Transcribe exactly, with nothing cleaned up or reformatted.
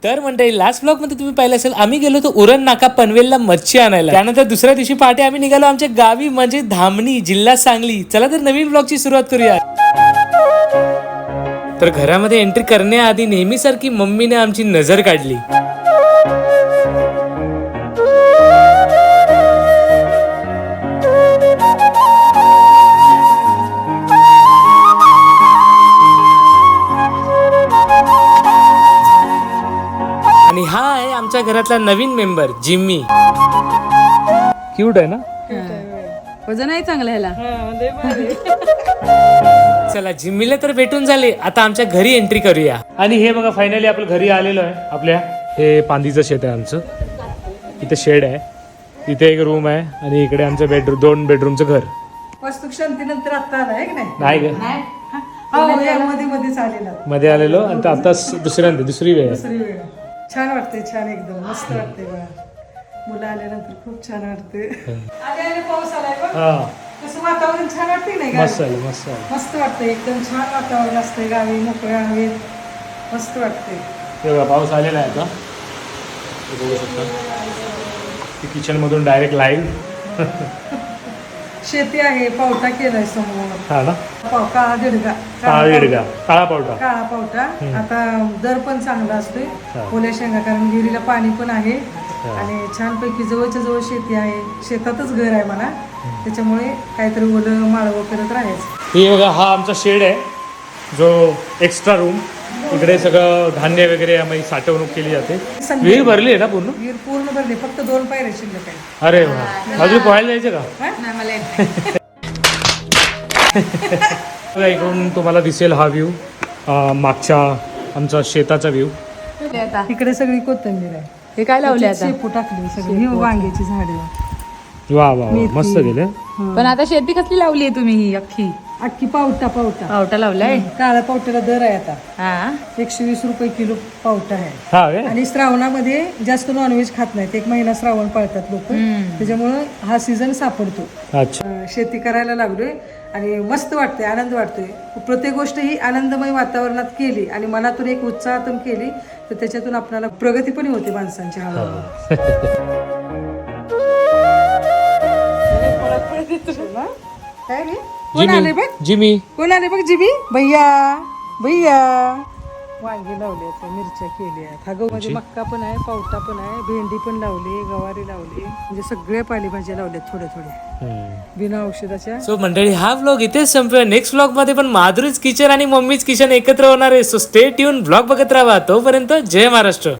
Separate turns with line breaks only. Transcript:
तर मंडळी last blog मध्ये तुम्ही पाहिलं असेल आम्ही गेलो होतो उरण नाका पनवेलला मच्छी आणायला. त्यानंतर दुसऱ्या दिवशी पहाटे आम्ही निघालो आमच्या गावी म्हणजे धामणी जिल्हा सांगली. चला तर नवीन ब्लॉगची सुरुवात करूया. तर घरामध्ये एंट्री करण्याआधी नेहमीसारखी मम्मीने आमची नजर काढली. आणि हा आहे आमच्या घरातला नवीन मेंबर जिम्मी. क्यूट आहे ना.
वजन आहे चांगलं ह्याला.
चला जिम्मीला तर भेटून झाले, आता आमच्या घरी एंट्री करूया.
आणि हे बघा फायनली आपलं घरी आलेलो आहे. आपल्या हे पांदीचं शेत आहे आमचं. इथे शेड आहे, इथे एक रूम आहे आणि इकडे आमचं बेडरूम दोन बेडरूमचं घर.
वस्तू शांतीनंतर आता आला आहे की नाही?
नाही ग
हो, या मध्ये मध्येच आलेला
मध्ये आलेलो आणि आता दुसऱ्यांदा दुसरी वेळ आहे.
दुसरी वेळ. छान वाटते, छान एकदम मस्त वाटते बघा. मुलं आल्यानंतर खूप छान वाटते. आले आले पाऊस आलाय बघ.
हा
कसं वातावरण छान वाटते नाही गावी?
मस्त आलं मस्त आलं.
मस्त वाटतं, एकदम छान वातावरण असते गावी, मोकळ्या हवेत मस्त वाटते.
हे बघा पाऊस आलेला आहे आता. हे बघू शकता किचन मधून डायरेक्ट लाईव्ह.
शेती आहे, पावटा केलाय समोर.
हा ना.
पाव काळा दिडगा
काळा दिडगा काळा पावटा.
काळा पावटा. आता दर पण चांगला असतोय
हा.
ओल्या शेंगा, कारण विहिरीला पाणी पण आहे आणि छानपैकी जवळच्या जवळ शेती आहे. शेतातच घर आहे म्हणा, त्याच्यामुळे काहीतरी ओलं माळवं करत राहायचं.
हे बघा हा आमचा शेड आहे, जो एक्स्ट्रा रूम. इकडे सगळं धान्य वगैरे आम्ही साठवणूक केली जाते. विहीर भरली आहे ना पूर्ण?
विहीर पूर्ण भरली, फक्त दोन पायऱ्या शिल्लक आहे.
अरे वा, अजून पोहायला जायचं का?
नाही मला येत नाही.
बघा, इकडून तुम्हाला दिसेल हा व्ह्यू, मागच्या आमचा शेताचा व्ह्यू.
हे आता
इकडे सगळी कोथिंबीर आहे.
हे काय लावले आता?
शेपू टाकली सगळी. ही वांग्याची झाडे.
वा वा वा, मस्त गेले.
पण आता शेती कसली लावली आहे तुम्ही ही अख्खी?
अख्खी पावटा पावटा
पावटा लावलाय.
काळ्या पावट्याला दर आहे आता
हा
एकशे वीस रुपये किलो पावटा आहे.
हा वे?
आणि श्रावणामध्ये जास्त नॉनव्हेज खात नाहीत, एक महिना श्रावण पाळतात लोक, त्याच्यामुळं हा सीझन सापडतो.
अच्छा.
अं, शेती करायला लागलोय आणि मस्त वाटते, आनंद वाटतोय. प्रत्येक गोष्ट ही आनंदमय वातावरणात केली आणि मनातून एक उत्साहातून केली तर त्याच्यातून आपल्याला प्रगती पण होते माणसांची. हळूहळू काय रे? कोण आले बघ?
जिमी
कोण आले बघ? जिबी भैया भैया. वांगी लावली आहेत, मिरच्या केल्या आहेत. हा गहू मध्ये मक्का पण आहे, पावटा पण आहे, भेंडी पण लावली, गवारी लावली, म्हणजे सगळ्या पालेभाज्या लावल्यात थोड्या थोड्या बिना औषधाच्या.
सो मंडळी हा व्लॉग इथेच संपूया. नेक्स्ट व्लॉग मध्ये पण माधुरीच किचन आणि मम्मीच किचन एकत्र होणार आहे. सो स्टे ट्यून, व्लॉग बघत राहा. तोपर्यंत जय महाराष्ट्र.